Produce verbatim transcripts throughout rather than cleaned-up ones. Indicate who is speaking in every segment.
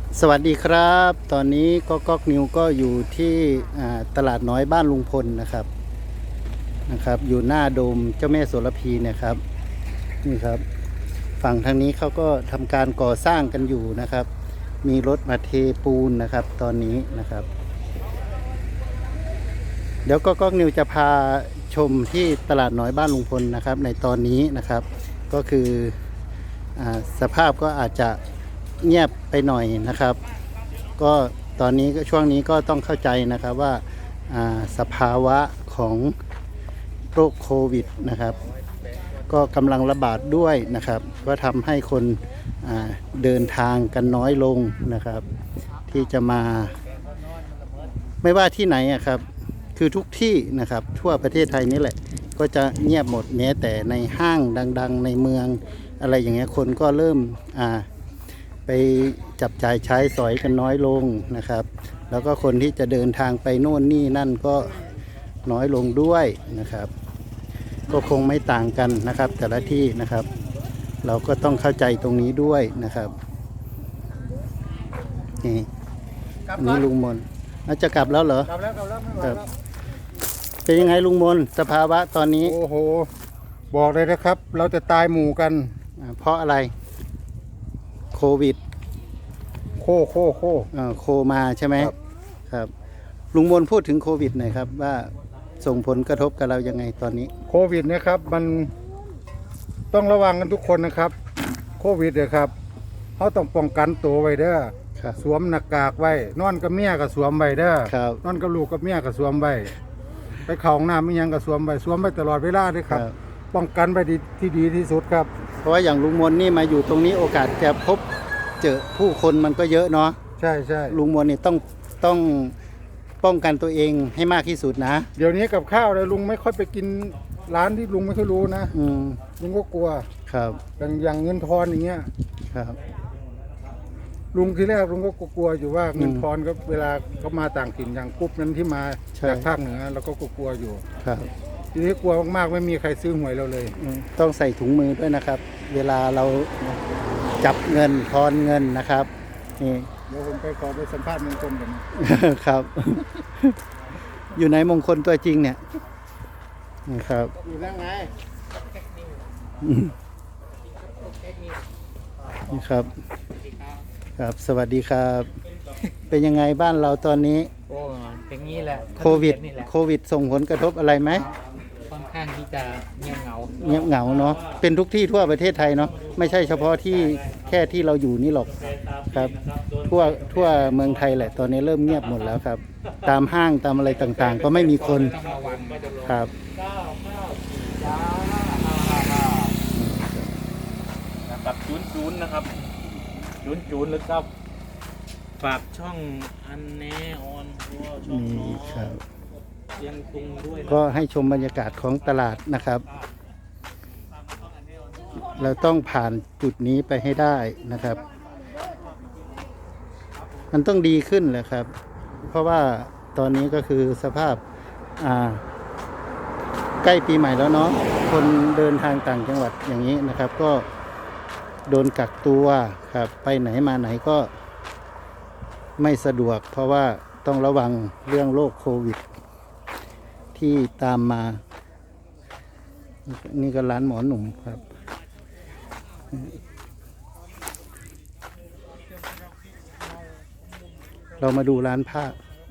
Speaker 1: สวัสดีครับ ตอนนี้ก็ก๊อกนิวก็อยู่ที่ตลาดน้อยบ้านลุงพลนะครับนะครับ อยู่หน้าโดมเจ้าแม่โสระพีเนี่ยครับนี่ครับฝั่งทางนี้เขาก็ทำการก่อสร้างกันอยู่นะครับ มีรถมาเทปูนนะครับตอนนี้นะครับ เดี๋ยวก็ก๊อกนิวจะพาชมที่ตลาดน้อยบ้านลุงพลนะครับในตอนนี้นะครับก็คืออสภาพก็อาจจะเงียบไปหน่อยนะครับก็ตอนนี้ก็ช่วงนี้ก็ต้องเข้าใจนะครับว่าสภาวะของโรคโควิดนะครับก็กำลังระบาดด้วยนะครับก็ทำให้คนเดินทางกันน้อยลงนะครับที่จะมาไม่ว่าที่ไหนอะครับคือทุกที่นะครับทั่วประเทศไทยนี่แหละก็จะเงียบหมดแม้แต่ในห้างดังๆในเมืองอะไรอย่างเงี้ยคนก็เริ่มอ่าไปจับจ่ายใช้สอยกันน้อยลงนะครับแล้วก็คนที่จะเดินทางไปโน่นนี่นั่นก็น้อยลงด้วยนะครับก็คงไม่ต่างกันนะครับแต่ละที่นะครับเราก็ต้องเข้าใจตรงนี้ด้วยนะครับนี่นี่ลุงมนเราจะกลับแล้วเหรอก
Speaker 2: ลับแล้วกลับแล้วไม่ไหวแล้ว
Speaker 1: เป็นยังไงลุงมนสภาวะตอนนี้
Speaker 2: โอ้โหบอกเลยนะครับเราจะตายหมู่กัน
Speaker 1: เพราะอะไรโควิด
Speaker 2: โคโคโค
Speaker 1: โคมาใช่ไหมครับครับลุงมนพูดถึงโควิดหน่อยครับว่าส่งผลกระทบกับเรายังไงตอนนี้
Speaker 2: โควิดนะครับมันต้องระวังกันทุกคนนะครับโควิดเลยครับเขาต้องป้องกันตัวไว้เด้อสวมหน้ากากไว้นอนกับเมียกับสวมไว้เด้อนอนกับลูกกับเมียกับสวมไว้ไปเข้าห้องน้ำไม่ยังกับสวมไว้สวมไว้ตลอดเวลาด้วยครับป้องกันไปที่ดีที่สุดครับ
Speaker 1: เพราะว่าอย่างลุงมนนี่มาอยู่ตรงนี้โอกาสจะพบเจอผู้คนมันก็เยอะเนาะ
Speaker 2: ใช่ใช่
Speaker 1: ลุงมนนี่ต้องต้องป้องกันตัวเองให้มากที่สุดนะ
Speaker 2: เดี๋ยวนี้กับข้าวเลยลุงไม่ค่อยไปกินร้านที่ลุงไม่ค่อยรู้นะ
Speaker 1: อืม
Speaker 2: ลุงก็กลัว
Speaker 1: ครับ
Speaker 2: อย่างอย่างเงินทอนอย่างเงี้ย
Speaker 1: ครับ
Speaker 2: ลุงทีแรกลุงก็กลัวอยู่ว่าเงินทอนก็เวลาเขามาต่างถิ่นอย่างกรุ๊ปนั้นที่มาจากภาคเหนือเราก็กลัวอยู่
Speaker 1: ครับ
Speaker 2: ทีนี้กลัวมากๆไม่มีใครซื้อหวยเราเลย
Speaker 1: ต้องใส่ถุงมือด้วยนะครับ เวลาเราจับเงินทอนเงินนะครับนี่
Speaker 2: เดี๋ยวผมไปขอไปสัมภาษณ์มงคลกัน
Speaker 1: ครับ อยู่ไหนมงคลตัวจริงเนี่ยนะครับ
Speaker 2: อยู่แล้วไง
Speaker 1: นี่ครับครับสวัสดีครับ เป็นยังไงบ้านเราตอนนี้
Speaker 3: โอ้เป็นงี้แหละ
Speaker 1: โควิดโควิดส่งผลกระทบอะไรไหม
Speaker 3: ค่อนข้างที่จะเงียบเหงา
Speaker 1: เงียบเหงาเนาะเป็นทุกที่ทั่วประเทศไทยเนาะไม่ใช่เฉพาะที่แค่ที่เราอยู่นี่หรอกครับทั่วทั่วเมืองไทยแหละตอนนี้เริ่มเงียบหมดแล้วครับตามห้างตามอะไรต่างๆก็ไม่มีคนครับ
Speaker 3: กับจูนจูนนะครับจูนจูนหรือกับฝากช่องอันแนออนทัวช่องน้องยังตรงด้วย
Speaker 1: ก็ให้ชมบรรยากาศของตลาดนะครับเราต้องผ่านจุดนี้ไปให้ได้นะครับมันต้องดีขึ้นแหละครับเพราะว่าตอนนี้ก็คือสภาพอ่าใกล้ปีใหม่แล้วเนาะคนเดินทางต่างจังหวัดอย่างนี้นะครับก็โดนกักตัวครับไปไหนมาไหนก็ไม่สะดวกเพราะว่าต้องระวังเรื่องโรคโควิดที่ตามมานี่ก็ร้านหมอหนุ่มครับเรามาดูร้านผ้า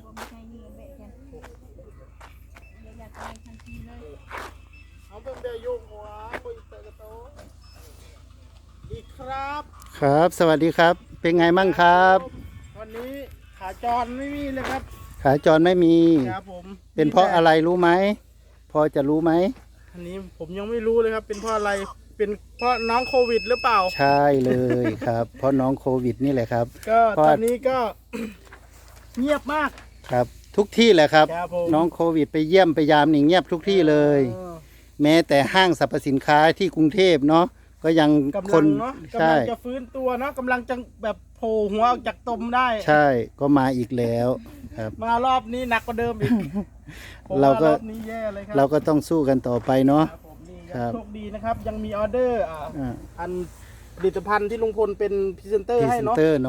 Speaker 2: ครับ
Speaker 1: ครับสวัสดีครับเป็นไงมั่งครับ
Speaker 2: วันนี้ขาจรไม่มีเลยครับ
Speaker 1: ขาจรไม่มี
Speaker 2: ครับผม
Speaker 1: เป็นเพราะอะไรรู้ไหมพอจะรู้ไหม
Speaker 2: อันนี้ผมยังไม่รู้เลยครับเป็นเพราะอะไรเป็นเพราะน้องโควิดหรือเปล่า
Speaker 1: ใช่เลยครับเพราะน้องโควิดนี่แหละครับ
Speaker 2: ก็ตอนนี้ก็เงียบมาก
Speaker 1: ครับทุกที่แหละครับน้องโควิดไปเยี่ยมไปยามนี่เงียบทุกที่เลยแม้แต่ห้างสรรพสินค้าที่กรุงเทพเนาะก็ยังคน
Speaker 2: กำลังจะฟื้นตัวเนาะกำลังจะแบบโผล่หัวออกจากตมได้
Speaker 1: ใช่ก็มาอีกแล้วครับ
Speaker 2: มารอบนี้หนักกว่าเดิมอีก
Speaker 1: เราก็
Speaker 2: ร
Speaker 1: เราก็ต้องสู้กันต่อไปเนาะ
Speaker 2: ครับโชคดีนะครับยังมีออเดอร์อ่าอันผลิตภัณฑ์ที่ลุงพลเป็นพรีเซนเตอร์ให้เนาะ
Speaker 1: พรีเซนเตอร์เนาะ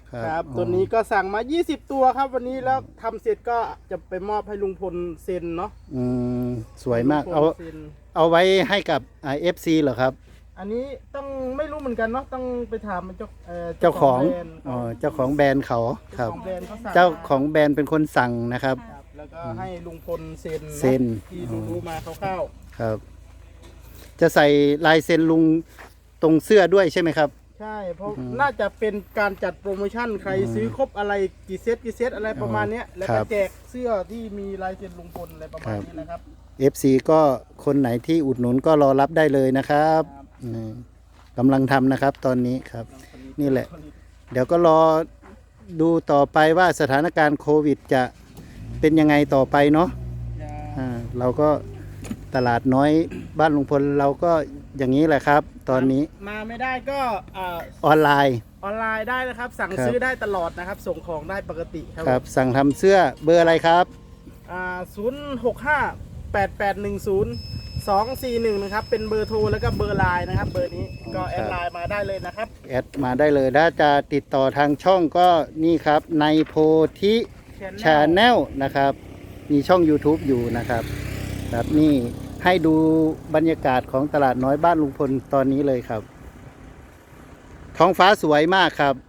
Speaker 4: ครับ
Speaker 1: อ๋อ
Speaker 4: ตัวนี้ก็สั่งมา ยี่สิบ ตัวครับวันนี้แล้วทำเสร็จก็จะไปมอบให้ลุงพลเซ็นเนาะ
Speaker 1: อืมสวยมาก
Speaker 4: ให้
Speaker 1: เอา
Speaker 4: ลุงพลซ็น
Speaker 1: เอาไว้ให้กับเอฟซีเหรอครับ
Speaker 4: อันนี้ต้องไม่รู้เหมือนกันเนาะต้องไปถามเจ้าเอ่อ
Speaker 1: เจ้าของ
Speaker 4: แบรนด์
Speaker 1: อ๋อเจ้าของแบรนด์เขาค
Speaker 4: เจ้า
Speaker 1: รับ
Speaker 4: ของแบรนด์เขาสั่ง
Speaker 1: เจ้า
Speaker 4: มา
Speaker 1: ของแบรนด์เป็นคนสั่งนะครับ
Speaker 4: ครับแล้วก็ให้ลุงพลเซ็น
Speaker 1: เซ็น
Speaker 4: ที่รู้ๆมาคร่าว
Speaker 1: ครับ จะใส่ลายเซ็นลุงตรงเสื้อด้วยใช่ไหมครับ
Speaker 4: ๆใช่เพราะ
Speaker 1: อืม
Speaker 4: น่าจะเป็นการจัดโปรโมชั่นใคร
Speaker 1: อืม
Speaker 4: ซื้อครบอะไรกี่เซตกี่เซตอะไรประมาณเนี้ยแล้ว
Speaker 1: ครั
Speaker 4: ก็
Speaker 1: บ
Speaker 4: แจกเสื้อที่มีลายเซ็นลุงพลอะไรประมาณนี้นะครับ
Speaker 1: เอฟซีก็คนไหนที่อุดหนุนก็รอรับได้เลยนะครับ
Speaker 4: ครับ
Speaker 1: อืมกำลังทำนะครับตอนนี้ครับ นี่แหละ เดี๋ยวก็รอดูต่อไปว่าสถานการณ์โควิดจะเป็นยังไงต่อไปเนาะอ่าเราก็ตลาดน้อยบ้านลุงพลเราก็อย่างนี้แหละครับ ตอนนี้
Speaker 4: มาไม่ได้ก็อ่า
Speaker 1: ออนไลน์
Speaker 4: ออนไลน์ได้นะครับ สั่ง
Speaker 1: ครับ
Speaker 4: ซื้อได้ตลอดนะครับ ส่งของได้ปกติครับ
Speaker 1: ครับ สั่งทำเสื้อเบอร์อะไรครับ
Speaker 4: อ่าศูนย์หกห้าแปดแปดหนึ่งศูนย์สองสี่หนึ่งนะครับ เป็นเบอร์โทรแล้วก็เบอร์ไลน์นะครับ เบอร์นี้ก็แอดไลน์มาได้เลยนะครับ
Speaker 1: แอดมาได้เลยถ้าจะติดต่อทางช่องก็นี่ครับในโพธิชาแนลนะครับ มีช่อง YouTube อยู่นะครับครับนี่ให้ดูบรรยากาศของตลาดน้อยบ้านลุงพลตอนนี้เลยครับ ท้องฟ้าสวยมากครับ